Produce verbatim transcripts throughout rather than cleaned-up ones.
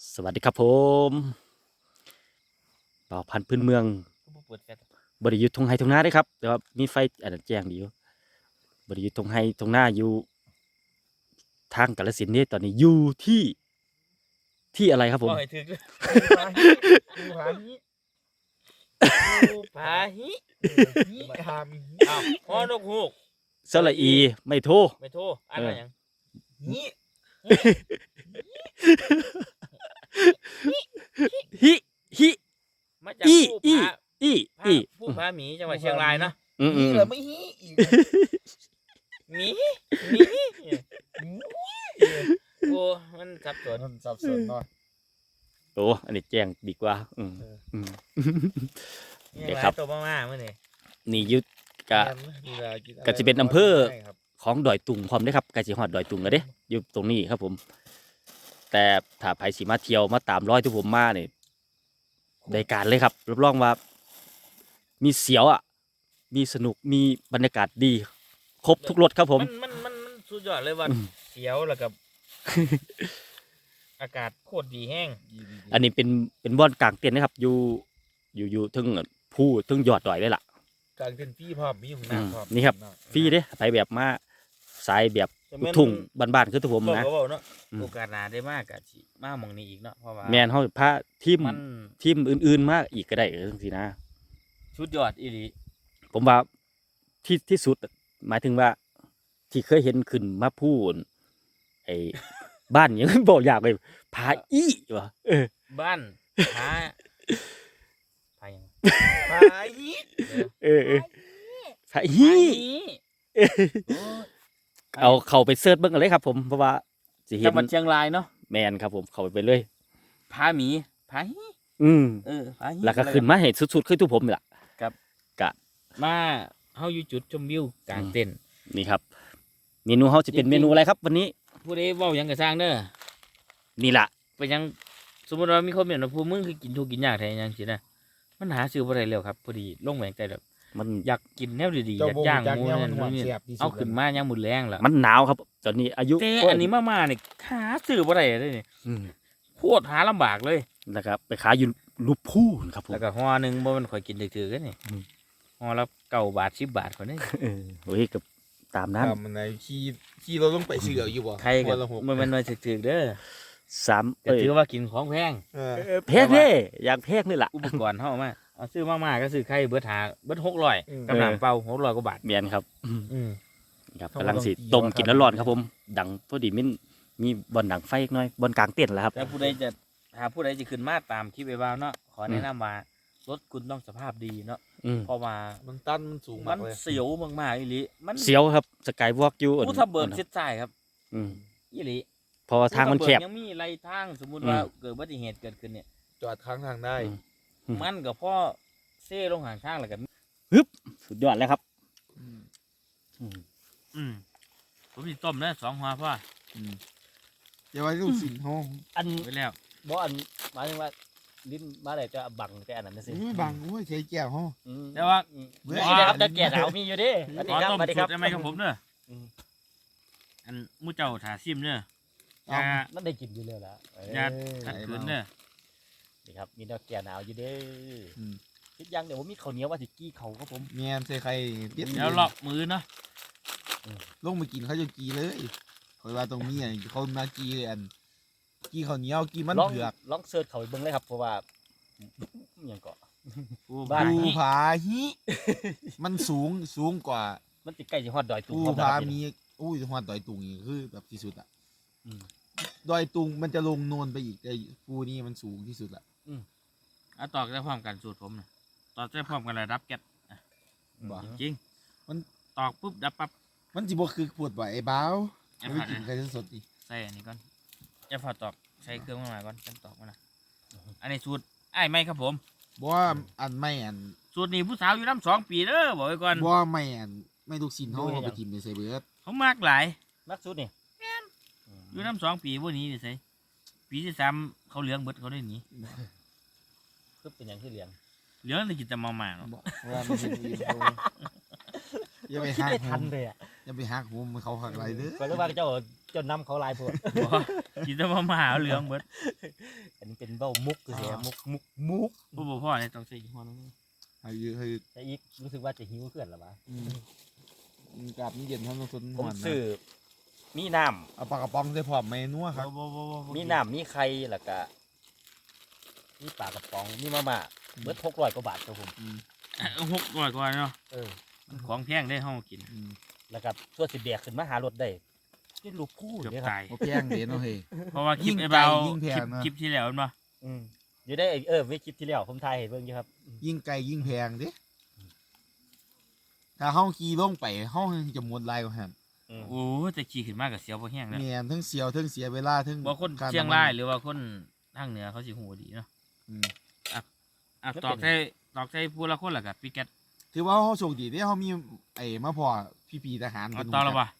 สวัสดีครับผมบ่าวพันธุ์พื้นเมืองบริยุทธ์ทงไฮทงนาได้ครับแต่ว่ามีไฟอันนั้นแจ้งดีอยู่บริยุทธ์ทงไฮทงนาอยู่ทางกาฬสินธุ์นี่ตอนนี้อยู่ที่ที่อะไรครับผมก็ให้ถึกภูผาหิภูผาหิหิหามอ้าวฮอนกฮูกสระอีไม่โทรไม่โทรอ่านว่าหยังหิฮิฮิมาจากอีภูอีผาอีผาอีภูผาหมีจังหวัดเชียงรายเนาะอืมอืนี่มเหรอไม่ฮีอีกหมีหมีโอ้มันสับสนมันสับสนเนาะโอ้อันนี้แจ้งดีกว่าอืมอืมยังเดี๋ยวไงครับตัวมากๆมื้อนี้นี่อยุดกะ ก็จะเป็นอำเภอ ของดอยตุงพร้อมเด้อครับใกล้สิฮอดดอยตุงแล้วเด้อยู่ตรงนี้ครับผม แต่ถ้าไผสิมาเที่ยวมาตามรอยที่ผมมาเนี่ยได้การเลยครับรับรองว่า มีเสียวอ่ะ มีสนุกมีบรรยากาศดี ครบทุกรสครับผมมันมันมันมันสุดยอดเลยว่าอืมเสียวแล้วกับ อากาศโคตรดีแห้งอันนี้เป็นเป็นบ่อนกลางเต็นท์นะครับ อยู่อยู่อยู่ทึ่งผู้ทึ่งยอดดอยเลยล่ะกลางเป็นพี่พร้อมมีของอืมน้ำพร้อมนี่ครับ ฟรีเด้ไปแบบมาสายแบบลูกทุ่งบ้านๆคือตัวผมบอกนะก็บอกเนาะอืมโอกาสหน้าได้มากกะสิมาหมองนี้อีกเนาะเพราะว่าแมนเฮาพาทีมมันทีมอื่นๆมาอีกก็ได้เออจังซี่นะชุดยอดอีหลีผมว่าที่ที่สุดหมายถึงว่า ที่เคยเห็นขึ้นมาพูดไอ้ บ้านยัง บอกอยากเลยผาอี้วะเออบ้านหาพายังพาฮีเออเออผาพาอี้ฮีโอ้ยเอาเข้าไปเสิร์ชเบิ่งกันเลยครับ ผมเพราะว่าสิเห็จันงหวัดเชียงรายเนาะแมนครับ ผมเข้าไปเลยพาหมีพาฮีอืมเออพาฮีแล้วก็ขึ้นมาเห็นสุดๆคือทุกผมนี่ล่ะมาเฮาอยู่จุดชมวิวกลางเต็นท์นี่ครับ เมนูเฮาจะเป็นเมนูอะไรครับ วันนี้ผู้ใดเว้าหยังก็สร้างเด้อนี่ล่ะไปยังสมมุติว่ามีคนเห็นว่าผู้มึงคือกินทุกกินยากแท้ยังสินะมันหาซื้อบ่ได้แล้วครับพอดีลงแหวงใจแบบมันอยากกินแนวดีๆอากเจ้ายบ่ย่างจักหมูเนี่ยนั่มันนหวานนี่เสียบที่สุดเอาขึ้นมายังหมุนแรงล่ะมันหนาวครับ ตอนนี้อายุแต่อันนี้มาๆนี่หาซื้อบ่ได้เลยนี่อืมโคตรหาลำบากเลยนะครับไปขายอยู่ลูกพูนครับผมแล้วก็ห่อหนึงบ่แมันข่อยกินถือๆกันนี่อืมห่อละเก้าบาทสิบบาทคนนี้เออโอ้ยกับตามนั้นตามมันไหนขี่ขี่เราต้องไปเสืออยู่บ่ใครก็วันละหกมันเป็นหน่วยถือๆเด้อสามก็เอ้ยถือว่ากินของแพงเออเออแพงเด้อยากแพงนี่ล่ะอุปกรณ์เฮามาเอาซื้อมากๆก็ซื้อไข่เบิดหาเบิดหกร้อยอืมกับน้ำเปล่าหกร้อยกว่าบาทเมียนครับอืมครับเขากำลังสิต้องตีต้มกินว่าร้อนๆครับผม ดังพอดีมินมีบอลดังไฟอีกหน่อยบอลกลางเต้นท์แล้วครับแต่ผู้ใดจะหาผู้ใดจะขึ้นมาตามคลิปไอ้บ่าวเนาะขอแนะนำว่ารถคุณต้องสภาพดีเนาะอืมเพราะว่ามันตันมันสูงมัมากนเลยเสียวมากๆอีหลีมันเสียวครับสกายวอล์กอยู่ผู้ทับเบิกชิดซ้ายครับอืมอีหลีเพราะว่าทางมันแคบภูทับเบิกยังมีไรทางสมมุติว่าอืมเกิดอุบัติเหตุเกิดขึ้นเนี่ยจอดค้างทางได้อืม อืมมันกับพ่อเซ่ลงหางทางแล้วกันสุดยอดแล้วครับอืมอืมอืมผมสิต้มนะสองหัวพ่ออืมอย่าไว้ลูกสินห้องอันไว้แล้วบ่อันหมายถึงว่าลิ้นมาได้จะบังแต่อันนั้นนะสิไม่บังโอ้ยใช้แก้วห้องอืมแต่ว่าอืมเบื่อนี่นะครับจะแก่ดาวมีอยู่เดิสวัสขดีอครับต้มสวัสดีคสูรัตบรได้ไหมครับผมเนอะอืมอันหมูเจ้าถาซิมเนอะเอาอย่านั่นได้กินอยู่แล้วล่ะเอ้ยอย่าขัดขืนเนอะนี่ครับมีแนวแก่หนาวอยู่เด้ออืมคิดยังเดี๋ยวผมมีข้าวเหนียวว่าสิกี้เขาครับผมเมียนใส่ใครเปลี่ยนเดี๋ยวลอกมือเนาะลงมากินเขาจะกีเลยคอยว่าตรงนี้อ่ะเขามากีอันกีข้าวเหนียวกีมันลองเผือกลองเสิร์ชเขาไปเบิ่งเลยครับเพราะว่าอหยังเกาะผู้บ้านภูนี้ผาฮิมันสูงสูงกว่ามันติดใกล้สิฮอดดอยตุงภูพร้อมแล้วผาครับมีนี่อุ้ยหัวดอยตุงอีกคือแบบที่สุดอ่ะอืมดอยตุงมันจะลงโนนไปอีกไอ้ภูนี่มันสูงที่สุดละเอาตอกได้พร้อมกันสูตรผมนะตอกได้พร้อมกันเลยรับแก๊สอ่ะบ่จริงมันตอกปุ๊บดับปั๊บมันจิบ่คือปวดบ่ไอ้บ้าวอย่าไม่ผัดกินนะใครสดๆดิใส่อันนี้ก่อนจะผัดตอกใส่เครื่องมาก่อนจังตอกมานะอันนี้สูตรไอ้ายไม่ครับผมบ่ว่าอันไม่อันสูตรนี้ผู้สาวอยู่น้ำสองปีเด้อบอกไว้ก่อนบ่ว่าไม่อันไม่ลูกชิ้นเฮาเอาไปกินในไซเบิร์ดเขามากหลายมักสุดนี่อยู่น้ำสองปีพวกนี้ดิใส่ปีที่สามเขาเหลืองเบิดเขาได้หนีคือเป็นอย่างที่เลี้ยงเหลืองเลยกินแต่มาม่าเนาะบ่ว่ามันเป็นอีโอย่าไปคิดหักไม่โหทันมเลยอ่ะอย่าไปหักโหมมันเขาหักไรเด้อก็เลยว่าเจ้าจนนำเขาลายพวกบ่กินแต่ว่ามาหาเหลืองเบิดอันนี้เป็นเบ้ามุกคือเสียมุกมุกมุกบ่บ่พอเลยต้องใส่อีกหัวนึงให้ยืให้แต่อีกรู้สึกว่าจะหิวเพื่อนหรอวะอืมกลับนี่เย็นทั้งต้นผมหอนนะซื้อมีน้เอาปลากระป๋องใส่พร้อมเมนูครับบ่บ่บ่บ่ำมีน้ำมีไข่แล้วก็มีปลากระป๋องมีมาม่าเบิดหกร้อยกว่าบาทครับผมอืมหกร้อยกว่าเนาะเออของแพงได้เฮากินอืมแล้วก็ส่วนสิแบกขึ้นมาหารถได้นี่ลูกคู่เกือบเนี่ยครับตายบ่แพงเด้เนาะเฮ้ยเพราะว่าคลิปยิ่งไอ้ไกลเบายิ่งแพคลิงปนะคลิปที่แล้วเห็นบ่อืมอยู่ได้เออไม่คลิปที่แล้วผมถ่ายเห็นเบิ่งอยู่ครับยิ่งไกลยิ่งแพงเด้ถ้าเฮาขี่ลงไปเฮาจะหมดลายกว่าหั่นอืมโอ้แต่ขี่ขึ้นมาก็เสียวบ่แห้งแล้วแม่นทั้งเสียวทั้งเสียเวลาทั้งบ่คนค่เชียงำมัรายหรือว่าคนทางเหนือเขาสิฮู้ดีเนาะอืมอ่ะตอกใส่ตอกใส่ผู้ละคนแล้วก็ปิแก๊สถือว่าเฮาโชคดีเด้เฮามีไอ้มาพอพี่ๆทหารเอาเพิ่นต่อแล้วบ่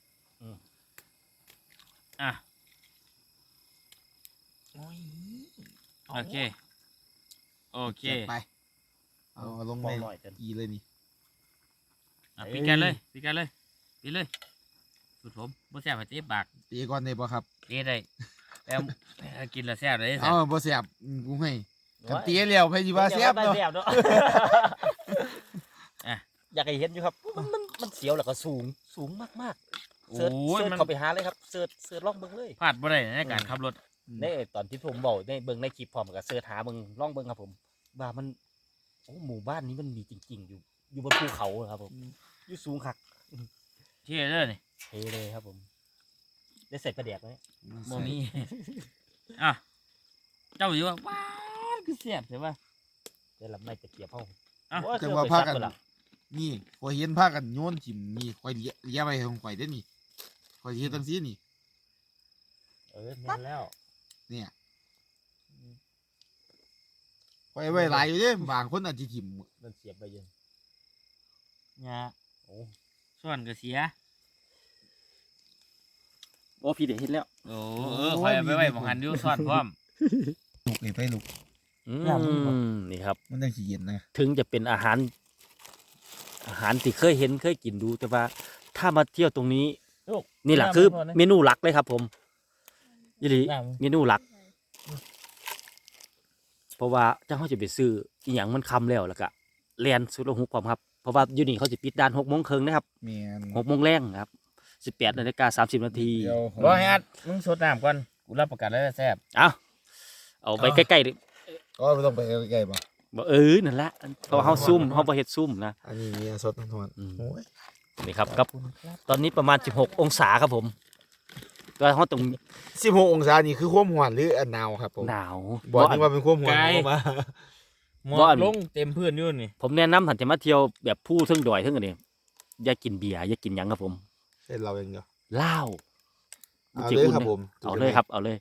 อ่ะโอ้ยโอเคโอเคจัดไปเอาลงมในองหน่อยจนกีเลยนี่อ่ะปิแก๊สเลยปิแก๊สเลยปิเลยสุดผมบ่แซ่บให้เตะปากตีก่อนได้บ่ครับเตะได้แล้วกินแล้วแซ่บเลยเอ้าบ่แซ่บอืมกูให้กันตีแล้วไผสิว่าแซ่บเนาะเนาะเนาะอ่ะอยากให้เห็นอยู่ครับมันมันมันเสียวแล้วก็สูงสูงมากๆโอ้เสิร์ชยเสิร์ชมันเข้าไปหาเลยครับเสิร์ชเสิร์ชลองเบิ่งเลยพลาดบ่ได้ในการขับรถในตอนที่ผมบอกในเบิ่งในคลิปพร้อมกับเสิร์ชหาเบิ่งลองเบิ่งครับผมว่ามันโอ้หมู่บ้านนี้มันมีจริง ๆ อยู่ อยู่บนภูเขาครับผมอยู่สูงคักเท่เด้อนี่เทเลยครับผม ได้ใส่ประเดียกไหมบ่มีอ่ะเจ้าอยู่ว่าว้าวคือแซ่บใช่ป่ะได้ลำไม่ตะเกียบห้องอ่ะโอ้ยจังเคว่ารื่องพาไปซักันเบิดละนี่ข่อยเห็นพากันโยนถิ่มนี่ข่อยเลี้ยเลี้ยไว้ของข่อยเด้อนี่ข่อยเฮ็ดจังซี่นี่เออแม่นแล้วเนี่ยข่อยไว้หลายอยู่เด้บางคนอาจสิถิ่มมันเสียบไปเยังยาโอ้ส่วนก็เสียโอ้พี่เดี๋ยวเห็นแล้วโอ้เออคอยเอาไปไว้หมองหันอยู่ส่วนพร้อมลูกนี่ไปลูกอืมนี่ครับมันจังสิเย็นนะถึงจะเป็นอาหาร อาหารที่เคยเห็นเคยกินดูแต่ว่า ถ้ามาเที่ยวตรงนี้ นี่แหละคือเมนูหลักเลยครับ ผมยี่หลีเมนูหลัก เพราะว่าเจ้าเขาจะไปซื้ออีหยังมันคำแล้วแล้วก็เรียนสุดละหุกความครับเพราะว่าอยู่นี่เขาจะปิดด้านหกโมงครึ่งนะครับแม่นหกโมงแรงนะครับสิบแปดนาฬิกาสามสิบนาทีเดี๋ยวบ่ให้อัดมึงสดน้ำก่อนกูรับประกันเลยว่าแซ่บเอาเอาไปใกล้ๆดิก็ไม่ต้องไปใกล้ๆบ่บอกเออนั่นแหละเพราะว่าเขาซุ่มเขาประเฮ็ดซุ่มนะอันนี้มีสดทั้งทวนอืมโอ้ยนี่ครับกับตอนนี้ประมาณสิบหกองศาครับผมก็เขาตรงสิบหกองศานี่คือความร้อนหรืออันหนาวครับผมหนาวบอกนี่ว่าเป็นความร้อนเข้ามาหมอบ่อักนลงเต็มพื้นอยู่นี่ผมแนะนำถันจะมาเที่ยวแบบผู้เทึ่งดอยเทึ่งอันนี้อย่ากินเบียร์อย่ากินหยังครับผมเส้นเราเองเดียวเหล้าเอาเลยครับผมเอาเลยครับ เอาเลย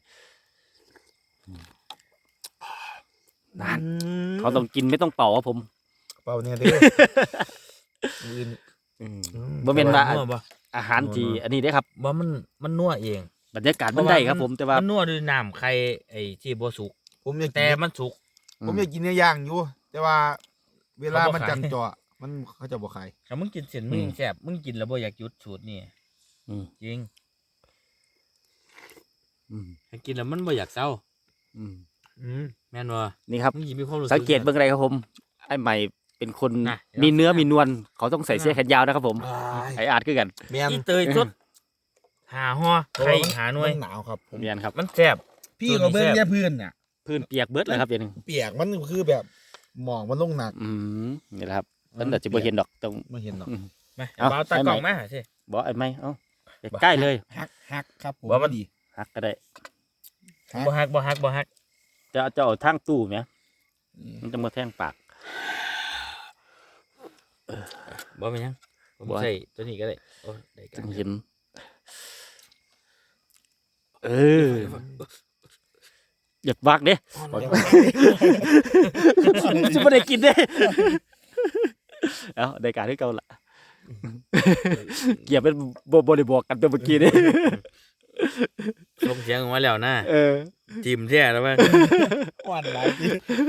นั่นเขาต้องกินไม่ต้องเป่าครับผมเปล่าเนี่ยเด้ออื่นบ่แม่นว่านัวบ่อาหารที่อันนี้ได้ครับบ่มันมันนัวเองบรรยากาศมันได้ครับผมแต่ว่ามันนัวด้วยน้ำไข่ไอ้ที่บ่สุกผมอยากกิแต่นมันสุกผมอยากกินเนื้อย่างอยู่ แต่ว่าเวลาเขาบ่มันขายจันเจาะมันเขาจะบ่ขายถ้ามึงกินเส้นมึงยังแซ่บมึงกินแล้วบ่อยากหยุดสูตรนี่อืมจริงอืมถ้ากินแล้วมันบ่อยากเศร้าอืมอืมแม่นบ่นี่ครับมึงสิมีความรู้สึกสังเกตเบื้องไรครับผมไอ้ใหม่เป็นคนน่ะมีเนื้อมีนวลเขาต้องใส่เสื้อแขนยาวนะครับผมอ้ายไออาร์ตคือกันแม่นอีเตยสดหาห่อไข่หาหน่วยมันหนาวครับผมเมียนครับมันแซ่บพี่ก็เบิ่งแค่พื้นน่ะพื้นเปียกเบิดเลยครับเดี๋ยวนึงเปียกมันคือแบบหมอกมันลงหนักอืมนี่แหละครับมันอาจจะบ่เห็นดอกตรงไม่เห็นหรอกมาเอาเอาตากล่องมาสิบ่ไอ้ไม่เอ้าใกล้ๆเลยฮักฮักครับผมว่ามันดีหักก็ได้บ่ฮักบ่ฮักบ่ฮักจะจะเอาทางตู้ไหมมันจะมาแทงปากบ่เป็นหยังผมบ่ใส่ตัวนี้ก็ได้โอ้ได้กัจึนงเห็น เอออยากวักเด้จะไม่ได้กินเด้เอาได้การที่เก่าละเกี่ยวเป็นบบริบอกกันตัวเมื่อกี้นี่ลงเสียงออกมาแล้วนะเออจิ้มแท้แล้วมั้ยหวานหลายที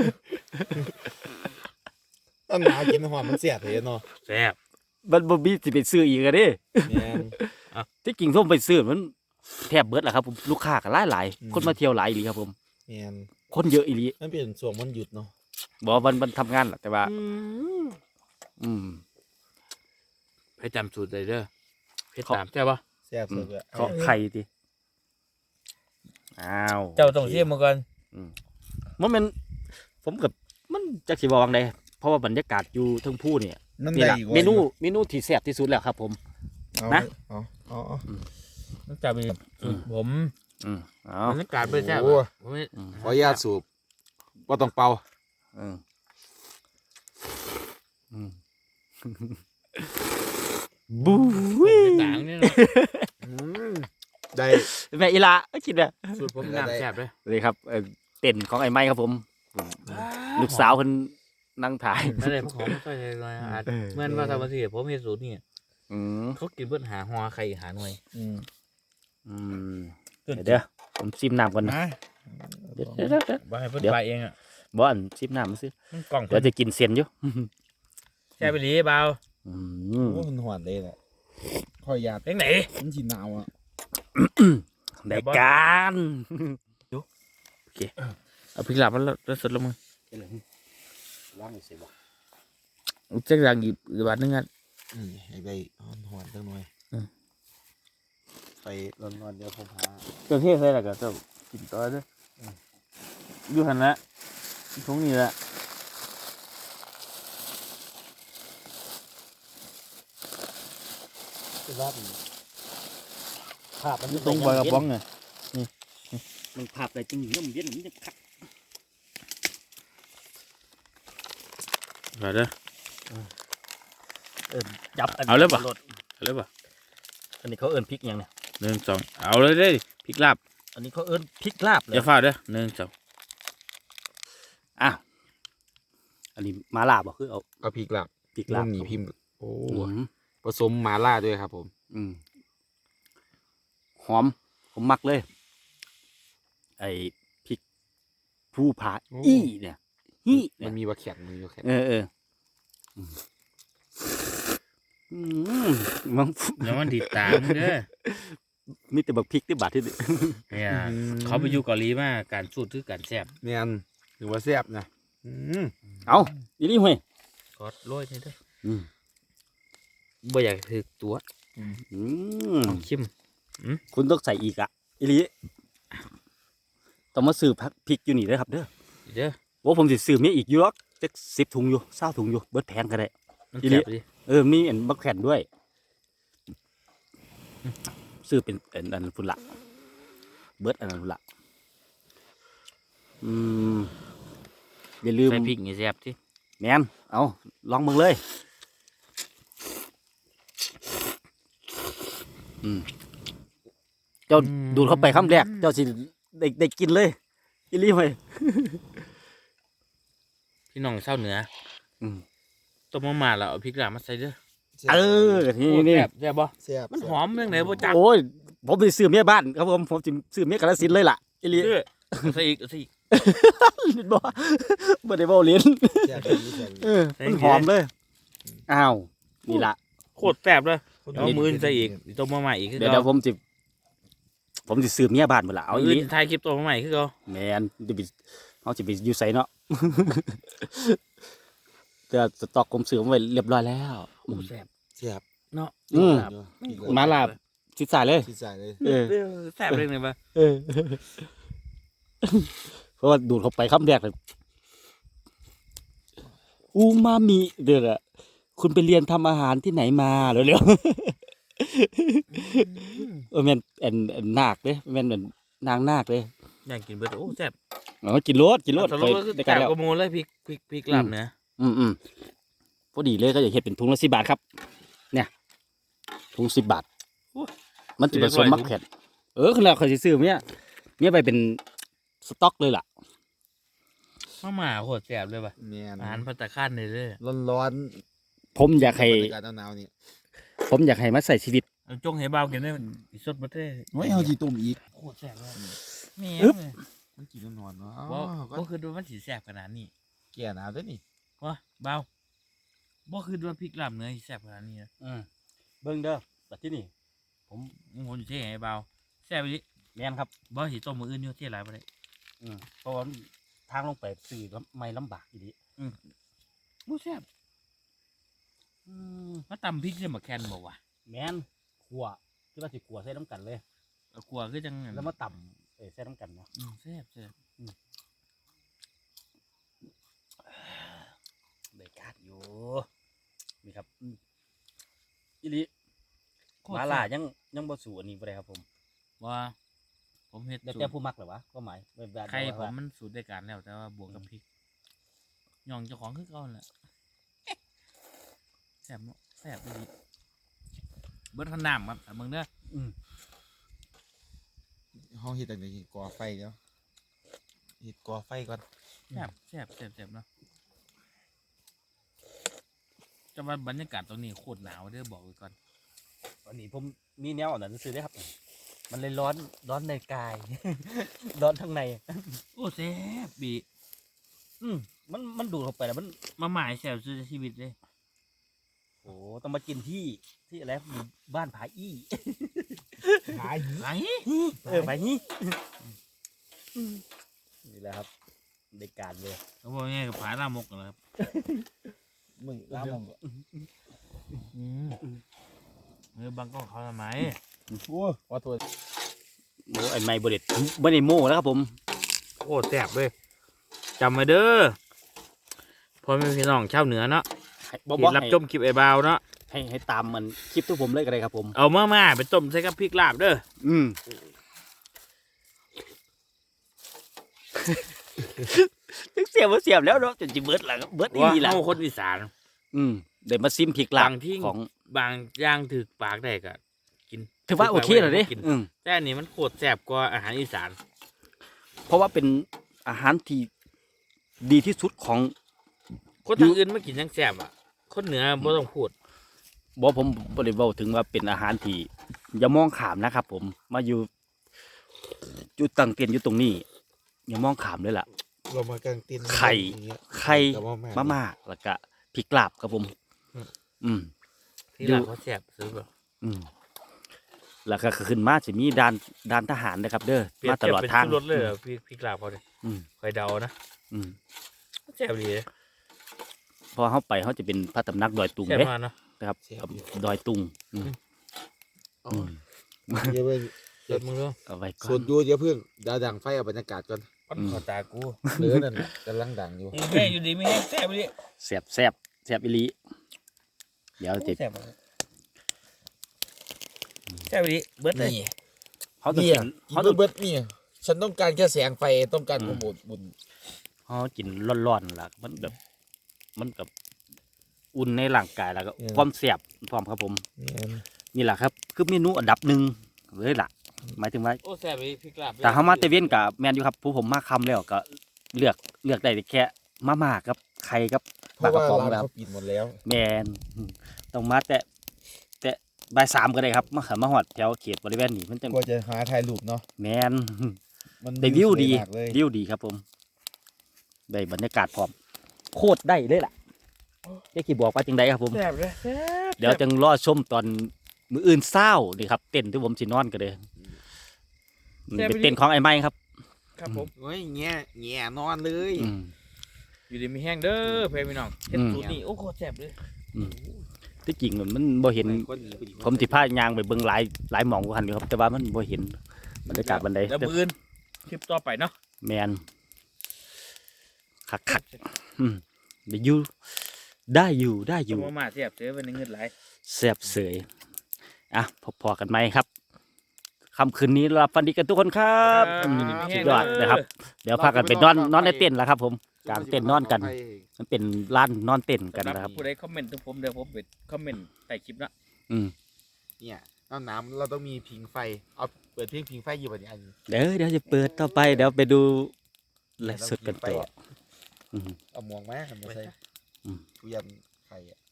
ต้นหนาวกินหวานมันเสียดเลยเนาะแซ่บมันบ่มีสิไปซื้ออีกอะเด้แม่นที่กิ่งส้มไปซื้อมันแทบเบิดแหละครับผมลูกค้าก็หลายหลายๆคนมาเที่ยวหลายอีหลีครับผมแม่นคนเยอะอีหลีมันเป็นช่วงวันหยุดเนาะบอกว่าวันวันทำงานแหละแต่ว่า อืมให้จำสูตรเลยเด้อเพชรตามใช่ปะแซ่บสุดเลยขอไข่ดิอ้าวเจ้าต้องเสียมาก่อนมันเป็นผมกับมันจักสิบอกว่าไงเพราะว่าบรรยากาศอยู่เทั้งผู้เนี่ยนั่นนี่ได้แหละอีกว่าเมนูเมนูที่แซ่บที่สุดแล้วครับผมเอานะเอาเอาเอาต้องจับอีกสูตรผมอืมเอ๋อบรรยากาศไม่ใช่โอ้ผมไม่ขออนุญาตสูบว่าต้องเป่าอืมอืมบู๊ต่างนี่เนาะอืมได้แม่อีลาเอ้ยคิดอะสูตรผมน้ำแซ่บเลยเลยครับเอ่อเต้นของไอ้ไม้ครับผม ลูกสาวคนนั่งถ่ายไม่ได้เพราะของไม่ค่อยเลยเลยอาจเออเหมื่อนว่าทำมาสิผมเห็นสูตรนี่อืมเขากินเพื่อหาหัวไข่หาหน่วยอืมอืมเดี๋ยวเดี๋ยวผมซิมน้ำก่อนนะนะเดี๋ยวเดี๋ยวเดี๋ยวเดี๋ยวว่าให้เพื่อนเดี๋ยวไปเองอ่ะบออันซิมน้ำมาซื้อมันกล่องเดี๋ยวจะกินเซียนอยู่แช่ไปหลีเบาอืมโอ้มันหวานเลยแหละขออนุญาตเล็กไหนมันจีหนาวอ่ะได้การเอาพริกหลับแล้วแล้วสดลงมือว่างเสียบ่เจ๊กดังหยิบหรือบาทนึงอ่ะอืมให้ได้หวานๆจังหน่อยอืมไปร้อนๆเดี๋ยวผมหาเครื่องเทศใส่แล้วก็ต้องกินต่อเด้ออยู่หันละตรงนี้ละคือว่าภาพมันตรงบอยกระป๋องไงมันภาพอะไรจริงๆมันเย็นมันจะคักมาเด้อเอิญจับนเอาเลยปะรถเอาเลยป่ะอันนี้เขาเอิญพริกยังเนี่ยหนึ่งสองเอาเลยเด้อพริกลาบอันนี้เขาเอิญพริกลาบเลอย่าย ฟ้าเด้อหนึ่งสองอ้าวอันนี้มาลาบบ่คือเอาเอาพริกลาบพริกลาบมันหนีพิมพ์โอ้อืมผสมหมาล่าด้วยครับผมอืมหอมผมมักเลย ไอ้พริกผู้ผาอี้เนี่ยฮี่เนี่มัยนมีบะแข็งมันมีบะแข็งเออเอออืมอืมมันอย่ามันติดตามเด้อมีแต่บักพริกที่บาดที่ดิเนี่ยเขาไปอยู่เกาหลีมาการสูตรคือการแซ่บแม่นถือว่าแซ่บนะอืมเอาอีนี่ห่วยกอดโรยนี่เด้ออืมบ่อยากถือตัวอืมเอาชิมคุณต้องใส่อีกอะอีลีต้องมาซื้อพักพริกอยู่นี่เลยครับเด้อเด้อว่าผมสิซื้อเมียอีกอยู่หรอกจะสิบถุงอยู่เศร้าถุงอยู่เบิดแพงก็ได้มันอีหลีแซ่บดิเออมีอันบักแผ่นด้วยซื้อเป็นอันอันฝุ่นละเบิดอันนั้นฝุ่นละอืมอย่าลืมใส่พริกนี่แซ่บที่แมนเอาลองมึงเลยอืมเจ้าดูดเข้าไปคำแรกเจ้าสิได้ได้กินเลยอีหลีไปพี่น้องเศร้าเหนืออืมต้มมาม่าแล้วเอาพริกลาบมาใส่เด้อแซ่บเออนี่นี่แซ่บแซ่บบ่แซ่บมันหอมเรื่องไหนบ่จักโอ้ยผมไปซื้อเมียบ้านครับผมผมจะซื้อเมียกาฬสินธุ์เลยล่ะอีหลีเด้อเอาใส่อีกเอาใส่อีกเห็นบ่บ่ได้เว้าเล่นแซ่บดีแซ่บดีเออมันหอมเลยอ้าวนี่ล่ะโคตรแซ่บเลยเอามือใส่อีกต้มมาม่าอีกคือเดี๋ยวเก่าเดี๋ยวผมจะผมจะซื้อเมียบ้านหมดละเอาเอาอีอีหลีถ่ายคลิปต้มมาม่าอีกคือเก่าแมนจะไปเขาจะไปอยู่ไสเนาะ แต่สต็อกผมซื้อไว้เรียบร้อยแล้วโอ้แซ่บแซ่บเนาะอืมพริกมาลาบชิดสายเลยที่ใส่เลยเออเออแซ่บเรื่องไหนบ่เออ เพราะว่าดูดเข้าไปคำแรกเลยอูมามิเดี๋ยวอะคุณไปเรียนทำอาหารที่ไหนมาเร็วๆเออแม่นแอนแอนนาคเด้แม่นเหมือนนางนาคเลยอยากกินเบิดโอ้แซ่บอ๋อกินรสกินรสสเครุยปก็คือได้กัแซ่นบแล้วกว่าหมูเลยพริกพริกพริกลาบเนื้ออืมอืมพอดีเลยก็อยากเห็ดเป็นถุงละสิบบาทครับ เนี่ยถุงสิบบาท มันจะผสมมักแผ่นเออคือแล้วเขาจะซื้อเนี่ยเนี่ยไปเป็นสต็อกเลยล่ะมาม่าโคตรแซ่บเลยว่ะแม่นอาหารภัตตาคารเลยเด้อร้อนร้อนผมอยากให้บรรยากาศหนาวๆนี่ผมอยากให้มาใส่ชีวิตเอาจงให้เบากินได้อีสดบ่ได้โอ้ยเอาจีตุ่มอีกโคตรแซ่บเลยแม่อึ๊บเลยมันกินนอนๆเนาะบ่อ้าวก็บ่คือว่ามันสิแซ่บขนาดนี้แก่หนาวด้วยนี่วะเบาบ่คือว่าพริกลาบเนื้อสิแซ่บขนาดนี้นะเบิ้งเด้อแต่ที่นี่ผมผมจะเทให้เบาแซ่บดิแม่นครับบ่สิต้มมืออื่นอยู่ที่หลายบ่ได้อืมเพราะว่าทางลงไปสื่อไม่ลำบากอีดีบ่แซ่บอืมมาตำพริกใส่หมกแคนบ่วะแม่นขัวที่ว่าสิขัวใส่น้ำกันเลยเอากลัวคือจังนั้นแล้วมาต่ำเออใส่น้ำกันเนาะอืมแซ่บแซ่บได้การอยู่นี่ครับอืมอีหลีโคตรมาแซ่บล่ายังยังบ่สู่อันนี้บ่ได้ครับผมว่าผมเฮ็ดแล้วสูแต่ตรผู้มักเหรอวะก็หมายแบบแบบไข่ผมว่ามันสูตรได้การแล้วแต่ว่าบวกกับพริกย่องเจ้าของคือเก่านั่นแหละแซ่บเนาะแซ่บดีเบิดขนามครับแต่มึงเด้ออืมห้องเฮ็ดตั้งแต่ก่อไฟแล้วเฮ็ดก่อไฟก่อนแซ่บแซ่บแซ่บแซ่บเนาะจะว่าบรรยากาศตรงนี้โคตรหนาวเด้อบอกไว้ก่อนวันนี้ผมมีแนวอันนั้นซื้อได้ครับ มันเลยร้อนร้อนในกาย ร้อนทั้งในโอ้แซ่บบีอืมมันมันดูดเข้าไปแล้วมันมาหมายแซ่บสุดในชีวิตเลยโอ้ต้องมากินที่ที่อะไรหมู่บ้านผาอี้หายหิไอ้เออผาอี้นี่แหละครับได้การเลยเขาบอกง่ายกับผาลามกนะครับมึงล้ามองอืมเออบางกล้องเขาทำไมโอ้ขอโทษโอ้ไอ้ไม้บริเดไม่ได้โม่แล้วครับผมโอ้แซ่บเลยจำไว้เด้อพ่อแม่พี่น้องชาวเหนือเนาะให้ที่รับชมคลิปไอ้บาวเนาะให้ให้ตามมันคลิปทุกผมเลยก็ได้ครับผมเอามามาไปต้มใส่กับพริกลาบเด้ออืมเสียบบ่เสียบแล้วเนาะจนจิเบิดละเบิดอีว่าหลีละเฮาคนอีสานอืมเดี๋ยวมาซิมพริกลาบาบงที่ของบางอย่างถือปากได้ก็กินถือว่าโอเคเลยเด้กินอืมแต่อันนี้มันโคตรแซ่บกว่าอาหารอีสานเพราะว่าเป็นอาหารที่ดีที่สุดของคนทางอื่นไม่กินยังแซ่บอ่ะคนเหนือบ่ต้องพูดบอกผมบริเวาถึงว่าเป็นอาหารที่อย่ามองขามนะครับ ผมมาอยู่จุดตั้งเตียนอยู่ตรงนี้ อย่ามองขามเลยล่ะเรามากางตินไข่ ไข่แต่ว่าแม่มาม่าแล้วก็พริกลาบครับผม อืมที่ร้านเขาแซ่บซื้อแบบอืมแล้วก็ขึ้นมาจะมีด่านด่านทหารนะครับ เด้อเปรียบมาตเทียบลอดเป็นทางชูรสเลยเหรอพี่พี่กลาบเขาเนี่ยอืมคอยเดานะอืมแซ่บดีเลยพอเขาไปเขาจะเป็นพระตำหนักดอยตุงแซ่บเด้มากเนาะนะครับดอยตุงอืมอ๋ออืมเดี๋ยวเพิ่งเดี๋ยวมึงดูเอาไว้ก่อส่วนนดูเดี๋ยวเพิ่งดาวดังไฟเอาบรรยากาศก่อนปั้นขอตากูเหลือนั่นน่ะกำลังดังอยู่แม่อยู่ดีไม่แห้งแซ่บดิแซ่บแซ่บแซ่บอีหลีเดี๋ยวจะแซ่บแซ่บดิเบิดเลยนี่เขาต้องเนี่ยกินกินเขาต้องเบิดนี่ฉันต้องการแค่แสงไฟต้องการความอบอุ่นเขากินร้อนๆล่ะมันแบบ มันกับอุ่นในร่างกายแล้วก็ความแซ่บพร้อมครับผมเนี่ยนี่แหละครับ คือเมนูอันดับหนึ่งเลยล่ะ หมายถึงว่าโอ้แซ่บดิพี่กลาบแต่เขามาเตเวนกับแมนอยู่ครับผู้ผมมาคำแล้วก็เลือกเลือกได้แค่มาม่ากับไข่กับเพปลาราะกระว่าป๋องร้านแล้วเขาปิดหมดแล้วแมนอืมต้องมาแต่แต่บ่ายสามก็ได้ครับมาขับมาหอดแถวเขตบริเวณนี้มันจะกว่าจะหาถ่ายรูปเนาะแมนมันได้วิวดีสยมากเลยวิวดีครับผมได้บรรยากาศพร้อมโคตรได้เลยล่ะเจ๊กี่บอกว่าจังไดครับผมแซ่บเลยแซ่บเดี๋ยวจังรอชมตอนมืออื่นเศร้านี่ครับเต้นที่ผมสินอนกันเลยเป็นเต้นของไอ้ไม้ครับครับผมโอ้ยแง่แง่นอนเลยอืมอยู่ดีไม่แห้งเด้อเพื่อนพี่น้องเห็นอืมสูตรนี่โอ้โคตรแซ่บเลยที่จริงมันบ่เห็นคนหนีคนหนีผมสิพายางไปเบิ่งหลายหลายหมองกว่าหันอยู่ครับแต่ว่ามันบ่เห็นบรรยากาศบันไดแล้วมืออื่นคลิปต่อไปเนาะแมนคักคักๆอืมได้อยู่ได้อยู่ได้ออยู่ยู่มามาแซ่บเสือเป็นเงินไหลายแซ่บเสยอ่ะพอๆกันไหมครับค่ำคืนนี้หลับฝันดีกันทุกคนครับอืมสุดยอดนะครับ เดี๋ยวพากันไปนอนนอนในเต็นท์แล้วครับ ผมกลางเต็นท์นอนกัน มันเป็นร้านนอนเต็นท์กันสำหนะครับผู้ใดคอมเมนต์ถึงผมเดี๋ยวผมไปคอมเมนต์ใต้คลิปเนาะอืมเนี่ยน้ำน้ำเราต้องมีผิงไฟเอาเปิดเพลงผิงไฟอยู่แบบนี้อันนี้เดี๋ยวเดี๋ยวจะเปิดต่อไปเดี๋ยวไปดูไลฟ์สดกันต่ออืมเอาหมวงมาทำมาใส่อืมทุยันไฟอ่ะ